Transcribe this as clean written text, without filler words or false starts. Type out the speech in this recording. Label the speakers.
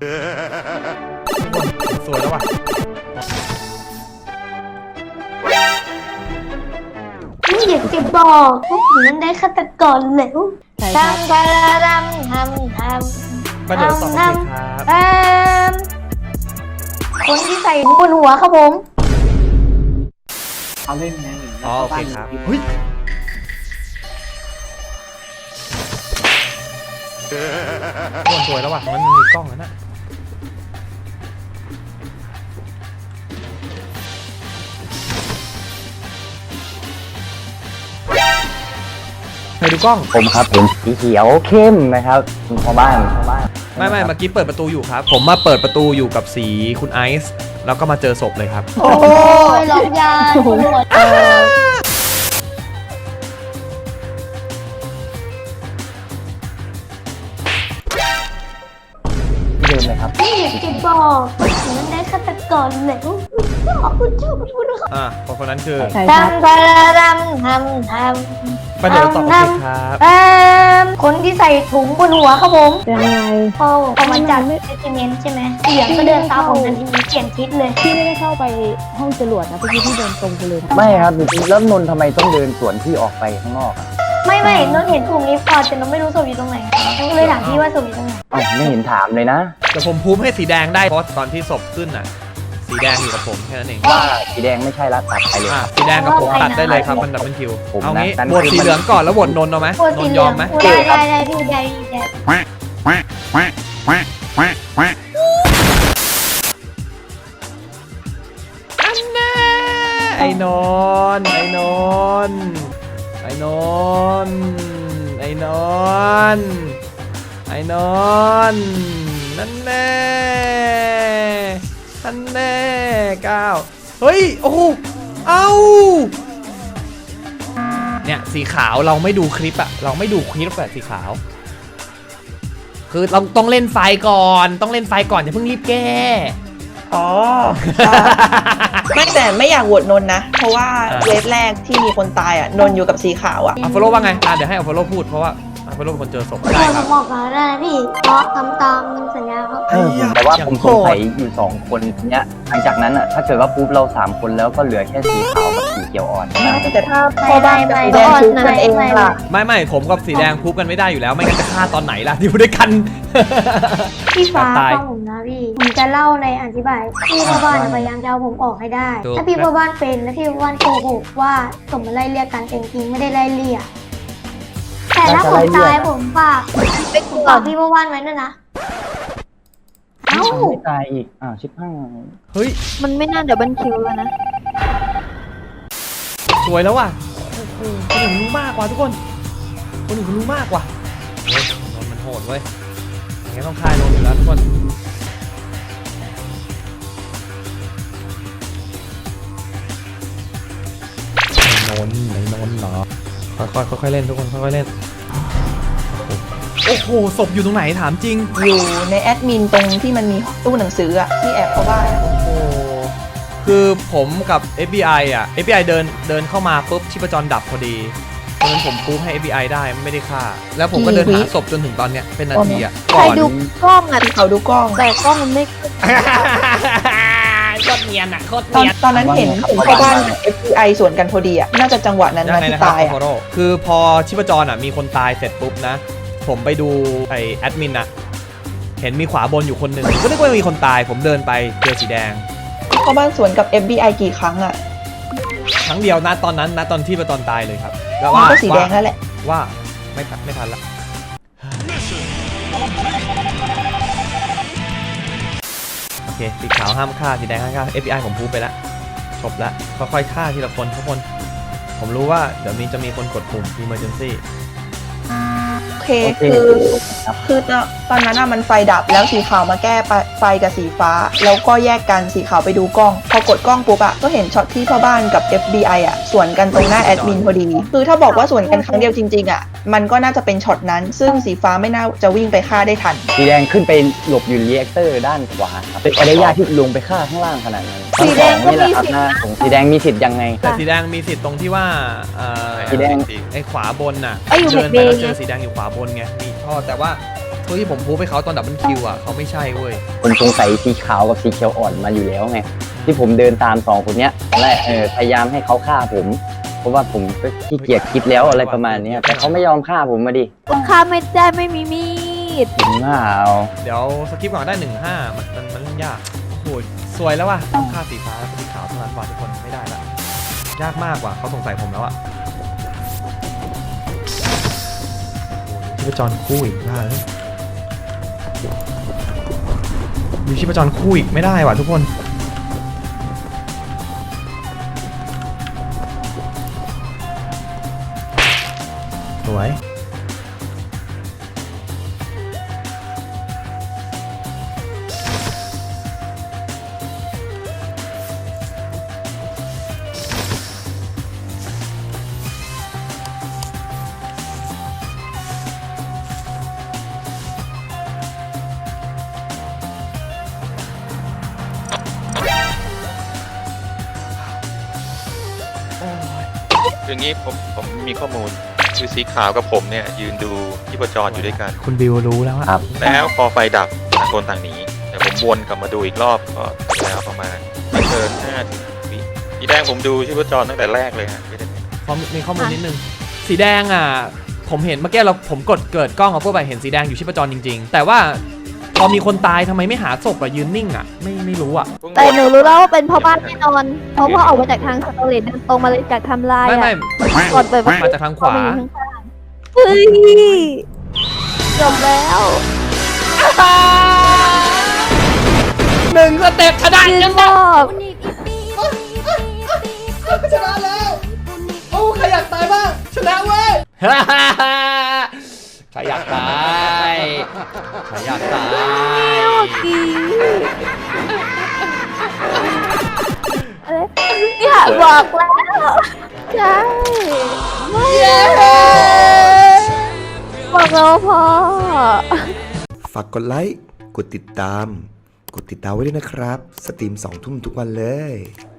Speaker 1: สวยแล้วว่ะ
Speaker 2: ไม่อยากจะบอกพวกผมนั้นได้ฆาตกรแล้วทำทำ
Speaker 1: ประเดี๋ยวสองครับ
Speaker 2: คนที่ใส่บนหัวครับผม
Speaker 3: เอาเล่นไง
Speaker 1: อ๋อโอเคครับเฮ้ยสวยแล้วว่ะมันมีกล้องแล้วนะใครดูกล้อง
Speaker 3: ผมครับเห็นสีเขียวเข้มนะครับคุณพ่อบ้าน
Speaker 1: ไม่เมื่อกี้เปิดประตูอยู่ครับผมมาเปิดประตูอยู่กับสีคุณไอซ์แล้วก็มาเจอศพเลยครับ
Speaker 2: โอ้ยหลอกยาคุณหมด
Speaker 3: ที่เดิมเลยครับ
Speaker 2: ไม่อยากจะบอกผมนั้นได้ฆาตกรแล้วขอบคุณเจ้าขอบคุณครับ
Speaker 1: คนนั้นคือ
Speaker 2: ทำ
Speaker 1: ประเดี๋ยวตอบครับ
Speaker 2: คนที่ใส่ถุงบนหัวครับผม
Speaker 4: ยังไง
Speaker 2: พอมันจัดเอสเมนใช่ไหมเสียงก็เดินตามผมทันทีเปลี่ยนทิศเลย
Speaker 4: พี่ไม่ได้เข้าไปห้องจรวดนะเมื่อกี้พี่เดินตรงไปเลย
Speaker 3: ไม่ครับแล้วนนทำไมต้องเดินสวนที่ออกไปข้างนอกอ่ะ
Speaker 2: ไม่นนเห็นถุงนี้พอแต่นนไม่รู้ศพอยู่ตรงไหนนนก็เลยถามพี่ว่าศพอยู่ตรงไหน
Speaker 3: ไม่เห็นถามเลยนะ
Speaker 1: แต่ผมพูดให้สีแดงได้เพราะตอนที่ศพขึ้นน่ะสีแดงอยู่กับผมแค่นั้นเอง
Speaker 3: ว่าสีแดงไม่ใช่ละตัดไปเลย
Speaker 1: สีแดงกับผมตัดได้เลยครับมันดับเบิลคิวเอางี้โหวตสีเหลืองก่อนแล้วโหวตนนท์เอาไหมนนท์ยอมไหม
Speaker 2: ได้พี่ได้
Speaker 1: ไอ้นนท์นั่นแน่ก้าวเฮ้ยโอ้โหเนี่ยสีขาวเราไม่ดูคลิปอะสีขาวคือเราต้องเล่นไฟก่อนอย่าเพิ่งรีบแก้
Speaker 5: อ๋อ ไม่แต่ไม่อยากโหวตนนนะเพราะว่าเวฟแรกที่มีคนตายอ่ะนนอยู่กับสีขาวอ่ะ
Speaker 1: อัฟโฟโลว่าไงเดี๋ยวให้อัฟโฟโลพูดเพราะว่าอัฟโฟโลเป็นคนเจอศพ
Speaker 2: ได้ครับบอกเขาได้พี่เพราะทำตามสัญญาครับ
Speaker 3: แต่ว่าผมสงสัยอยู่2คนเนี้ยหลังจากนั้นอ่ะถ้าเกิดว่าปุ๊บเรา3คนแล้วก็เหลือแค่สีขาวกับสีเขียวอ่อน
Speaker 5: แต่ถ้าพ่อบ้านกับสีแดงทุบกันเองล่ะ
Speaker 1: ไม่ผมกับสีแดงพูดกันไม่ได้อยู่แล้วไม่งั้นจะฆ่าตอนไหนล่ะอยู่ด้วยกัน
Speaker 2: พี่ฟ้าฟังผมนะพี่ผมจะเล่าในอธิบายพี่พ่อบ้านพยายามจะเอาผมออกให้ได้ถ้าพี่พ่อบ้านเป็นและพี่พ่อบ้านโกหกว่าสมมาไล่เรียกกันจริงๆไม่ได้ไล่เรียกแต่ถ้าผมตายผมฝากพี่พ่อบ้านไว้นั่นนะ
Speaker 3: ไม่ตายอีกชิบห้า
Speaker 1: เฮ้ย
Speaker 4: มันไม่น่าเดี๋ยวบันคิวแล้วนะ
Speaker 1: สวยแล้วว่ะคนอื่นรู้มากกว่าทุกคนรู้มากกว่าเฮ้ยนนมันโหดเว้ยอย่างงี้ต้องฆ่านนอยู่แล้วทุกคนไอ้นนเหรอค่อยเล่นทุกคนค่อยเล่นโอ้โหศพอยู่ตรงไหนถามจริง
Speaker 5: อยู่ในแอดมินตรงที่มันมีตู้หนังสืออ่ะที่แอบเข้าบ้าน
Speaker 1: โอ้โหคือผมกับ FBI อ่ะ FBI เดินเข้ามาปุ๊บชีพจรดับพอดีเพราะฉะนั้นผมพูดให้ FBI ได้ไม่ได้ฆ่าแล้วผมก็เดินหาศพจนถึงตอนเนี้ยเป็นนาทีอ่ะ
Speaker 4: ใครดูกล้องอ่ะ
Speaker 5: เขาดูกล้อง
Speaker 4: แต่กล้องมันไม่
Speaker 1: โคตรเนียนอ่ะโคตรเนียน
Speaker 5: ตอนนั้นเห็นเข้าบ้าน FBI สวนกันพอดีอ่ะน่าจะจังหวะนั้นมาที่ตาย
Speaker 1: คือพอชีพจรอ่ะมีคนตายเสร็จปุ๊บนะผมไปดูไอแอดมินอะเห็นมีขวาบนอยู่คนหนึ่งก็นึกว่ามีคนตายผมเดินไปเจอสีแดง
Speaker 5: เข้าบ้านสวนกับ FBI กี่ครั้งอะ
Speaker 1: ครั้งเดียวนะตอนนั้นนะตอนที่ตอนตายเลยครับ
Speaker 5: แล้วว่าก็สีแดงนั่นแหละ
Speaker 1: ว่าไม่ทันละโอเคสีขาวห้ามฆ่าสีแดงห้ามฆ่า FBI ผมพูดไปแล้วจบละค่อยๆฆ่าทีละคนทุกคนผมรู้ว่าเดี๋ยวนี้จะมีคนกดปุ่ม emergency
Speaker 5: โอเคคือตอนนั้นมันไฟดับแล้วสีขาวมาแก้ไฟกับสีฟ้าแล้วก็แยกกันสีขาวไปดูกล้องพอกดกล้องปุ๊บก็เห็นช็อตที่พ่อบ้านกับ FBI สวนกันตรงหน้าแอดมินพอดีคือถ้าบอกว่าสวนกันครั้งเดียวจริงๆมันก็น่าจะเป็นช็อตนั้นซึ่งสีฟ้าไม่น่าจะวิ่งไปฆ่าได้ทัน
Speaker 3: สีแดงขึ้นไปหลบอยู่รีแอคเตอร์ด้านขวาครับเป็นอะไรยากที่ลงไปฆ่าข้างล่างขนาดนั้น
Speaker 5: สีแดงก็มีสิทธิ์
Speaker 3: สีแดงมีสิทธิ์ยังไง
Speaker 1: แต่สีแดงมีสิทธิ์ตรงที่ว่า
Speaker 3: สีแดง
Speaker 1: ไอ้ขวาบนน่ะ
Speaker 4: เดิน
Speaker 1: ไปแล้วเจอสีแดงอยู่ขวาบนไงมีท่อแต่ว่าพวกที่ผมพูดไปเขาตอนดับเบิลคิวอ่ะเขาไม่ใช่เว้ย
Speaker 3: ผมสงสัยสีขาวกับสีเขียวอ่อนมาอยู่แล้วไงที่ผมเดินตามสองคนเนี้ยและพยายามให้เขาฆ่าผม เพราะว่าผมก็ขี้เกียจคิดแล้วอะไรประมาณเนี้ยแต่เขาไม่ยอมฆ่าผมมาดิ
Speaker 4: ข้าไม่ได้ไม่มีมีด
Speaker 3: ถึงว่าเอา
Speaker 1: เดี๋ยวสกิปก่อนได้1-5มันเล่นยากโอ้โหสวยแล้วว่ะต้องฆ่าสีฟ้าแล้วก็สีขาวเท่านั้นว่ะทุกคนไม่ได้ละยากมากว่ะเขาสงสัยผมแล้วอ่ะชีพจรคู่อีกได้เลยมีชีพจรคู่อีกไม่ได้ว่ะทุกคนสวย
Speaker 6: คืออย่างนี้ผมมีข้อมูลคือสีขาวกับผมเนี่ยยืนดูที่ประจรอยู่ด้วยกัน
Speaker 1: คุณบิวรู้แล้วอะ
Speaker 3: ครับ
Speaker 6: แล้วพอไฟดับต่างคนต่างหนีแต่ผมวนกลับมาดูอีกรอบก็แล้วประมาณไม่เกิน5 วิสีแดงผมดูที่ประจรตั้งแต่แรกเลยฮะไม่ได้
Speaker 1: พอมีข้อมูลนิดนึงสีแดงอ่ะผมเห็นเมื่อกี้ผมกดเกิดกล้องเอาเพื่อไปเห็นสีแดงอยู่ชีพจรจริงๆแต่ว่าพอมีคนตายทำไมไม่หาศพอะยืนนิ่งอะไม่รู้อะ
Speaker 4: แต่หนูรู้แล้วว่าเป็นพ่อบ้านแน่นอน เพราะว่าออกมาจากทางสตอเรจเดินตรงมาเลยจากทำลาย
Speaker 1: ไม่
Speaker 4: ก่อนเปิดประตู
Speaker 1: มาจากทางขวา
Speaker 4: เขอยู่ข้างๆเฮ้ยจบแล้ว
Speaker 1: 1 สเต็ปชนะ
Speaker 4: ยืนรอบ
Speaker 1: ชนะแล้วโอ้ใครอยากตายบ้างชนะเว้ย ใครอยากตายใครอยากตาย
Speaker 4: เนี่ยบอกแล้วใช่ไม่บอกแล้วพ่อ
Speaker 7: ฝากกดไลค์ กดติดตามไว้ด้วยนะครับ สตรีม2 ทุ่มทุกวันเลย